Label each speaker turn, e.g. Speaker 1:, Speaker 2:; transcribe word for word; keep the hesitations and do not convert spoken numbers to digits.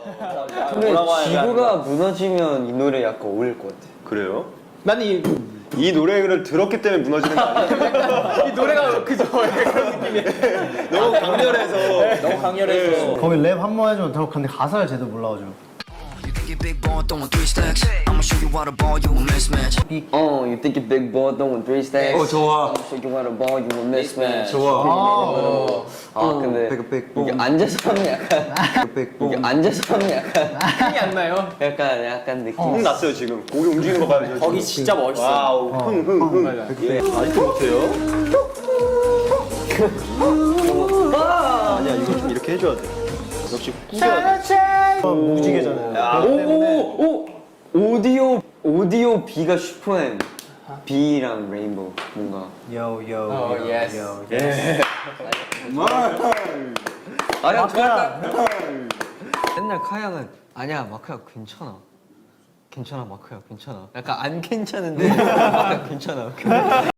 Speaker 1: 근데 지구가 무너지면 이 노래 약간 어울릴 것 같아.
Speaker 2: 그래요?
Speaker 3: 나는 이,
Speaker 2: 이 노래를 들었기 때문에 무너지는 거 아니에요?
Speaker 3: 이 노래가 그저 그런 느낌이
Speaker 2: 너무 강렬해서.
Speaker 3: 너무 강렬해서.
Speaker 4: 거기 랩 한 번 해주면 더 근데 가사를 제대로 몰라가지고.
Speaker 1: 어, you think you big boy throwing three stacks?
Speaker 5: 어, 좋아.
Speaker 1: I'ma show you how to ball, you will mismatch.
Speaker 5: 좋아.
Speaker 1: 아, 근데
Speaker 5: 백, 백,
Speaker 1: 이게
Speaker 5: 뽕.
Speaker 1: 앉아서 하면 약간
Speaker 5: 백,
Speaker 1: 이게
Speaker 5: 뽕.
Speaker 1: 앉아서 하면 약간
Speaker 3: 힘이 안 나요?
Speaker 1: 약간 약간 느낌.
Speaker 2: 흥 났어요 지금. 고개 움직이는 거 봐요.
Speaker 3: 거기 진짜 멋있어.
Speaker 2: 와우. 흥 흥 흥. 예. 아직도 못해요. 아니야 이거 좀 이렇게 해줘야 돼. 역시 꾸겨.
Speaker 4: 무지개잖아요.
Speaker 1: 오오오 오디오 오디오 B가 슈퍼엠 B랑 레인보우 뭔가.
Speaker 4: 요요.
Speaker 3: 어, 예스.
Speaker 1: 아형 좋았다. 맨날 카양은 아니야 마크야 괜찮아. 괜찮아 마크야 괜찮아. 약간 안 괜찮은데 마크야 괜찮아.